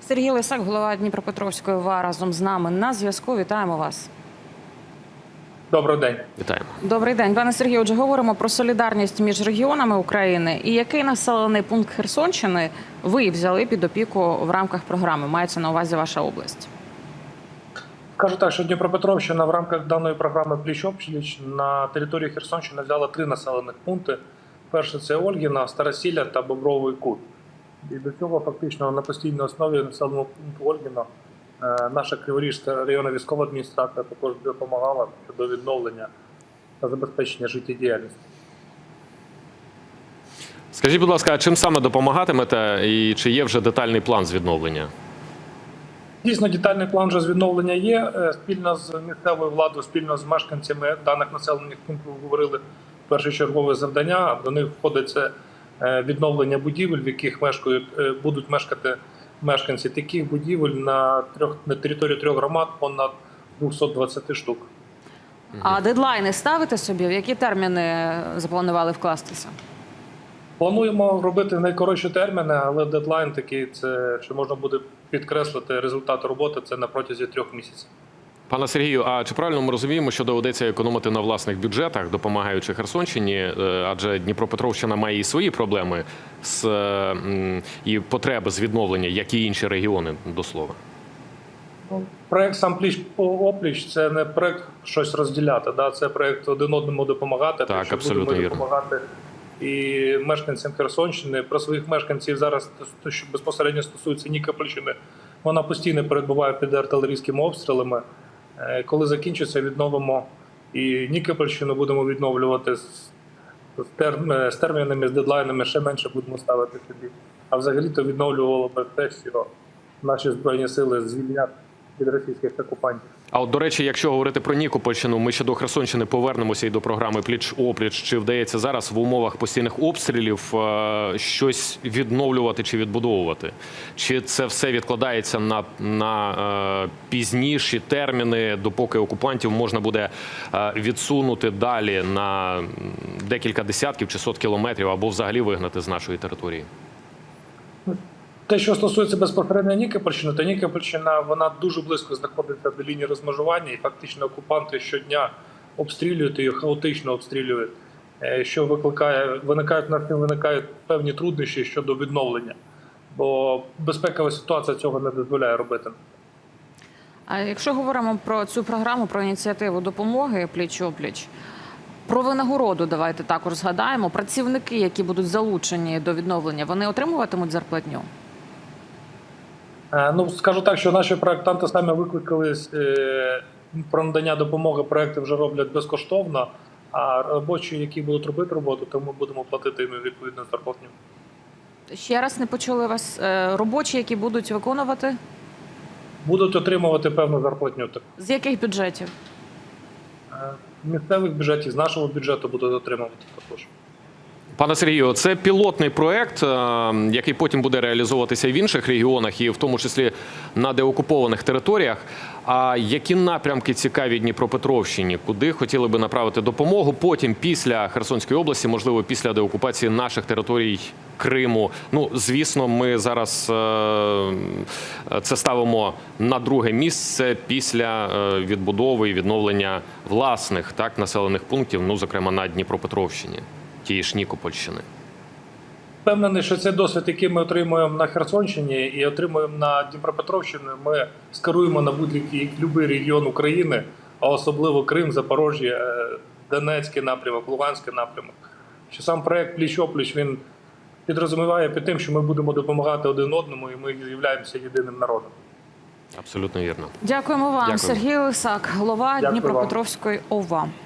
Сергій Лисак, голова Дніпропетровської ОВА, разом з нами на зв'язку. Вітаємо вас. Добрий день. Вітаємо. Добрий день. Пане Сергію, отже, говоримо про солідарність між регіонами України. І який населений пункт Херсонщини ви взяли під опіку в рамках програми? Мається на увазі ваша область? Скажу так, що Дніпропетровщина в рамках даної програми «Пліч-опліч» на території Херсонщини взяла 3 населених пункти. Перше – це Ольгіна, Старосілля та Бобровий Кут. І до цього фактично на постійній основі населеного пункту Ольгіна наша Криворізька районна військова адміністрація також допомагала щодо відновлення та забезпечення життєдіяльності. Скажіть, будь ласка, а чим саме допомагатимете і чи є вже детальний план з відновлення? Дійсно, детальний план вже з відновлення є. Спільно з місцевою владою, спільно з мешканцями даних населених пунктів говорили першочергове завдання. До них входить це відновлення будівель, в яких будуть мешкати мешканці. Таких будівель на території 3 громад понад 220 штук. А дедлайни ставите собі? В які терміни запланували вкластися? Плануємо робити найкоротші терміни, але дедлайн такий, це що можна буде підкреслити результат роботи, це на протязі 3 місяців. Пане Сергію, а чи правильно ми розуміємо, що доведеться економити на власних бюджетах, допомагаючи Херсонщині, адже Дніпропетровщина має і свої проблеми і потреби з відновлення, як і інші регіони, до слова? Проект сам «Пліч-опліч» – це не проект щось розділяти, це проект один одному допомагати. Так, абсолютно вірно. Допомагати і мешканцям Херсонщини. Про своїх мешканців зараз, що безпосередньо стосується Нікопольщини, вона постійно перебуває під артилерійськими обстрілами. Коли закінчиться, відновимо і Нікопольщину, будемо відновлювати з термінами, з дедлайнами, ще менше будемо ставити собі. А взагалі-то відновлювало би те, що наші Збройні сили звільнять від російських окупантів. А от, до речі, якщо говорити про Нікопольщину, ми ще до Херсонщини повернемося і до програми «Пліч-опліч». Чи вдається зараз в умовах постійних обстрілів щось відновлювати чи відбудовувати? Чи це все відкладається на пізніші терміни, допоки окупантів можна буде відсунути далі на декілька десятків чи сот кілометрів або взагалі вигнати з нашої території? Те, що стосується безпосередньо Нікопольщини, то Нікопольщина, вона дуже близько знаходиться до лінії розмежування, і фактично окупанти щодня обстрілюють її, хаотично обстрілюють, що виникають певні труднощі щодо відновлення, бо безпекова ситуація цього не дозволяє робити. А якщо говоримо про цю програму, про ініціативу допомоги «Пліч-опліч», про винагороду давайте також згадаємо. Працівники, які будуть залучені до відновлення, вони отримуватимуть зарплатню? Скажу так, що наші проєктанти самі викликались про надання допомоги, проєкти вже роблять безкоштовно, а робочі, які будуть робити роботу, то ми будемо платити їм відповідну зарплатню. Ще раз не почули вас. Робочі, які будуть виконувати? Будуть отримувати певну зарплатню. З яких бюджетів? Місцевих бюджетів, з нашого бюджету будуть отримувати також. Пане Сергію, це пілотний проєкт, який потім буде реалізовуватися і в інших регіонах, і в тому числі на деокупованих територіях. А які напрямки цікаві Дніпропетровщині? Куди хотіли би направити допомогу потім після Херсонської області, можливо, після деокупації наших територій Криму? Звісно, ми зараз це ставимо на друге місце після відбудови і відновлення власних населених пунктів, зокрема на Дніпропетровщині. Тієї ж Нікопольщини. Впевнений, що цей досвід, який ми отримуємо на Херсонщині і отримуємо на Дніпропетровщині, ми скеруємо на будь-який регіон України, а особливо Крим, Запоріжжя, Донецький напрямок, Луганський напрямок. Що сам проект «Пліч-опліч», він підрозуміває під тим, що ми будемо допомагати один одному і ми являємося єдиним народом. Абсолютно вірно. Дякуємо вам. Дякую. Сергій Лисак, голова Дніпропетровської ОВА.